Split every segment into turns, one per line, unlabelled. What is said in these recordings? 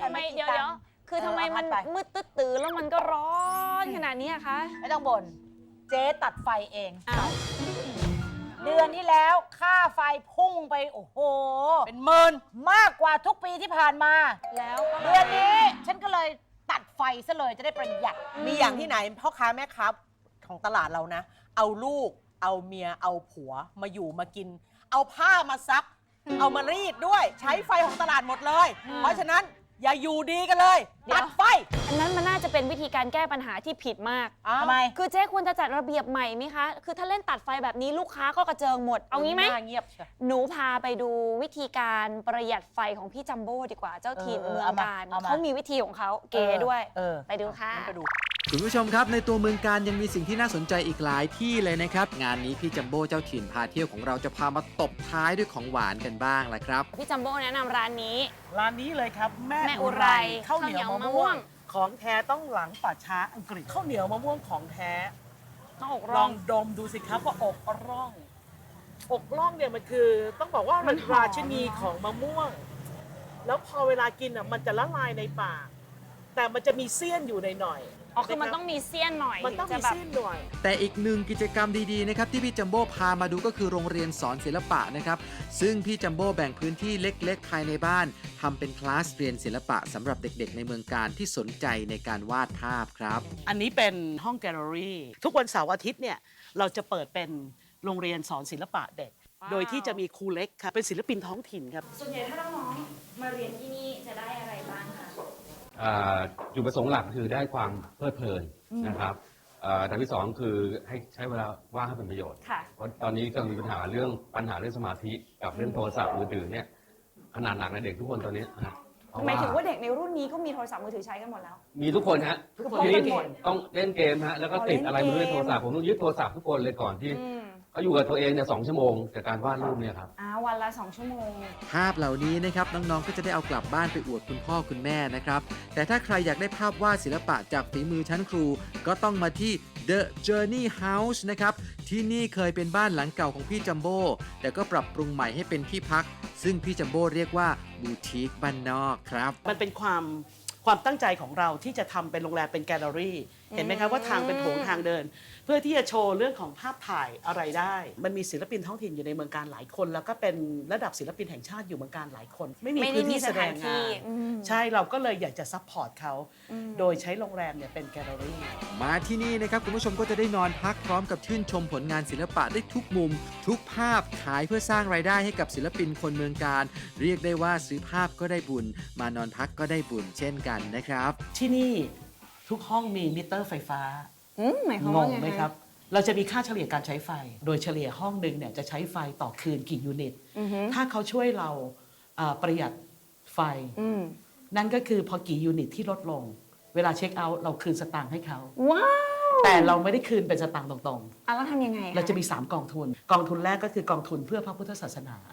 ทำไมเดี๋ยวคือทำไมมันมืดตื้อแล้วมันก็ร้อนขนาดนี้คะ
ไม่ต้องบ่นเจ๊ตัดไฟเองเดือนที่แล้วค่าไฟพุ่งไปโอ้โหเป็นหมื่นมากกว่าทุกปีที่ผ่านมา
แล้ว
เดือนนี้ฉันก็เลยตัดไฟซะเลยจะได้ประหยัด
มีอย่างที่ไหนพ่อค้าแม่ค้าของตลาดเรานะเอาลูกเอาเมียเอาผัวมาอยู่มากินเอาผ้ามาซักเอามารีดด้วยใช้ไฟของตลาดหมดเลยเพราะฉะนั้นอย่าอยู่ดีกันเลยตัดไฟ
อันนั้นมันน่าจะเป็นวิธีการแก้ปัญหาที่ผิดมาก
ทำไม
คือเจ๊ควรจะจัดระเบียบใหม่ไหมคะคือถ้าเล่นตัดไฟแบบนี้ลูกค้าก็กระเจิงหมดเอางี้ไหม
เงียบ
หนูพาไปดูวิธีการประหยัดไฟของพี่จัมโบ้ดีกว่าเจ้าถิ่นเมืองการเขามีวิธีของเขาเก๋ด้วยไปดูค่ะ
คุณผู้ชมครับในตัวเมืองการยังมีสิ่งที่น่าสนใจอีกหลายที่เลยนะครับงานนี้พี่จัมโบ้เจ้าถิ่นพาเที่ยวของเราจะพามาตบท้ายด้วยของหวานกันบ้างแหละครับ
พี่จัมโบ้แนะนำร้านนี้
เลยครับแม่
อุไร
ข้าวเหนียวมะม่วงของแท้ต้องหลังป่าช้าอังกฤษข้าวเหนียวมะม่วงของแท้
ต้องอก
ล
ร่
องดมดูสิครับว่าอกร่องเนี่ยมันคือต้องบอกว่ามันราชินีของมะม่วงแล้วพอเวลากินอ่ะมันจะละลายในปากแต่มันจะมีเสี้ยนอยู่ในหน่อย
คือมันต้องมีเสี้ยนหน่อย
มันต้องมีเสี้ยนหน่อย
แต่อีกหนึ่งกิจกรรมดีๆนะครับที่พี่จัมโบ้พามาดูก็คือโรงเรียนสอนศิลปะนะครับซึ่งพี่จัมโบ้แบ่งพื้นที่เล็กๆภายในบ้านทำเป็นคลาสเรียนศิลปะสำหรับเด็กๆในเมืองการที่สนใจในการวาดภาพครับ
อันนี้เป็นห้องแกลเลอรี่ทุกวันเสาร์อาทิตย์เนี่ยเราจะเปิดเป็นโรงเรียนสอนศิลปะเด็กโดยที่จะมีครูเล็กครับเป็นศิลปินท้องถิ่นครับ
ส่วนใหญ่ถ้าน้องๆมาเรียนที่นี่จะได้อะไรบ้างคะ
จุดประสงค์หลักคือได้ความเพลิดเพลินนะครับทางที่สองคือให้ใช้เวลาว่างให้เป็นประโยชน์เพราะตอนนี้ก็มีปัญหาเรื่องสมาธิกับเรื่องโทรศัพท์มือถือเนี่ยขนาดหนักในเด็กทุกคนตอนนี้
หมายถึงว่าเด็กในรุ่นนี้ก็มีโทรศัพท์มือถือใช้กันหมดแล้ว
มีทุกคนฮะทีนี้ต้องเล่นเกมฮะแล้วก็ติดอะไรมือถือโทรศัพท์ผมต้องยึดโทรศัพท์ทุกคนเลยก่อนที่เขาอยู่กับตัวเองเนี่ย2 ชั่วโมงจากการวาดรูปเนี่ยครับ
วันละ2 ชั่วโมง
ภาพเหล่านี้นะครับน้องๆก็จะได้เอากลับบ้านไปอวดคุณพ่อคุณแม่นะครับแต่ถ้าใครอยากได้ภาพวาดศิลปะจากฝีมือชั้นครูก็ต้องมาที่ The Journey House นะครับที่นี่เคยเป็นบ้านหลังเก่าของพี่จัมโบ้แต่ก็ปรับปรุงใหม่ให้เป็นที่พักซึ่งพี่จัมโบ้เรียกว่าบูติกบ้านนอกครับ
มันเป็นความตั้งใจของเราที่จะทำเป็นโรงแรมเป็นแกลเลอรี่เห็นไหมครับว่าทางเป็นโถงทางเดินเพื่อที่จะโชว์เรื่องของภาพถ่ายอะไรได้มันมีศิลปินท้องถิ่นอยู่ในเมืองการหลายคนแล้วก็เป็นระดับศิลปินแห่งชาติอยู่เมืองการหลายคนไม่มีพื้นที่แสดงงานใช่เราก็เลยอยากจะซัพพอร์ตเขาโดยใช้โรงแรมเนี่ยเป็นแกลเลอรี่
มาที่นี่นะครับคุณผู้ชมก็จะได้นอนพักพร้อมกับชื่นชมผลงานศิลปะได้ทุกมุมทุกภาพขายเพื่อสร้างรายได้ให้กับศิลปินคนเมืองการเรียกได้ว่าซื้อภาพก็ได้บุญมานอนพักก็ได้บุญเช่นกันนะครับ
ที่นี่ทุกห้องมีมิเตอร์ไฟฟ้า
หมายความว่าไง
ไหมครับเราจะมีค่าเฉลี่ยการใช้ไฟโดยเฉลี่ยห้องหนึ่งเนี่ยจะใช้ไฟต่อคืนกี่ยูนิตถ้าเขาช่วยเราประหยัดไฟนั่นก็คือพอกี่ยูนิตที่ลดลงเวลาเช็คเอาท์เราคืนสตางค์ให้เขา
ว้าว
แต่เราไม่ได้คืนเป็นสตางค์ตรง
ๆแล้วทำยังไง
เราจะมี3 กองทุนกองทุนแรกก็คือกองทุนเพื่อพระพุทธศาสนา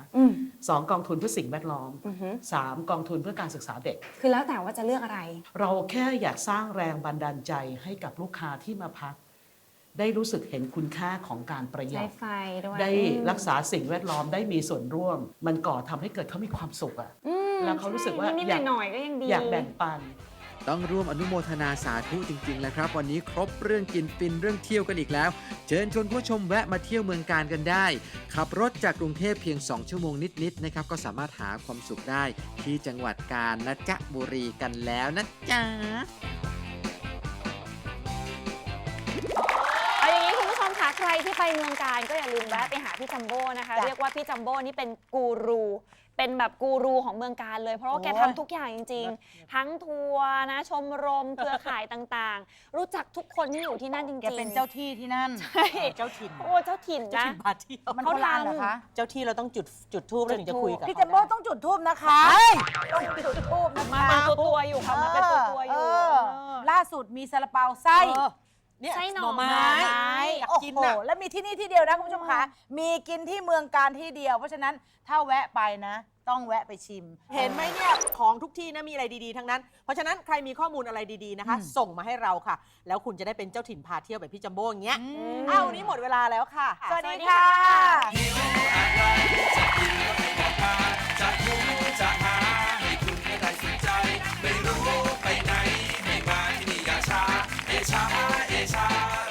2 กองทุนเพื่อสิ่งแวดล้อม3 กองทุนเพื่อการศึกษาเด็ก
คือแล้วแต่ว่าจะเลือกอะไร
เราแค่อยากสร้างแรงบันดาลใจให้กับลูกค้าที่มาพักได้รู้สึกเห็นคุณค่าของการประหยัดได้รักษาสิ่งแวดล้อมได้มีส่วนร่วมมันก่อทำให้เกิดเขามีความสุขอ่ะแล้วเขารู้สึกว่าอยากแบ่งปัน
ต้องร่วมอนุโมทนาสาธุจริงๆแหละครับวันนี้ครบเรื่องกินฟินเรื่องเที่ยวกันอีกแล้วเชิญชวนผู้ชมแวะมาเที่ยวเมืองการกันได้ขับรถจากกรุงเทพเพียง2 ชั่วโมงนิดๆนะครับก็สามารถหาความสุขได้ที่จังหวัดกาญจนบุรีกันแล้วนะจ๊ะ
ใครที่ไปเมืองการก็อย่าลืมแวะไปหาพี่จัมโบ้นะคะเรียกว่าพี่จัมโบ้นี่เป็นกูรูเป็นแบบกูรูของเมืองการเลยเพราะว่าแกทำทุกอย่างจริงๆทั้งทัวร์นะชมรมเครือข่ายต่างๆรู้จักทุกคนที่อยู่ที่นั่นจริงๆแก
เป็นเจ้าที่ที่นั่น
ใช่
เจ้าถิ่น
เจ้าถิ่นนะ
พาเที่ยวเขาทำเหรอคะ
เจ้าที่เราต้องจุดธูปแล้วถึงจะคุยกับ
พี่จัมโบ้ต้องจุดธูปนะคะต้องจุดธูปนะคะ
มาเป็นตัวอยู่ค่ะมาเป็นตัวอยู่
ล่าสุดมีซาลาเปาไส้
ไส้หน่อไม้
อยากกินนะแล้วมีที่นี่ที่เดียวนะคุณผู้ชมคะมีกินที่เมืองการที่เดียวเพราะฉะนั้นถ้าแวะไปนะต้องแวะไปชิม
เห็นไหมเนี่ยของทุกที่นะมีอะไรดีๆทั้งนั้นเพราะฉะนั้นใครมีข้อมูลอะไรดีๆนะคะส่งมาให้เราค่ะแล้วคุณจะได้เป็นเจ้าถิ่นพาเที่ยวแบบพี่จัมโบ้อย่างเงี้ยวันนี้หมดเวลาแล้วค่ะ
สวัสดีค่ะ
จะรู้จะหาให้คุณได้สนใจไม่รู้ชาเอชา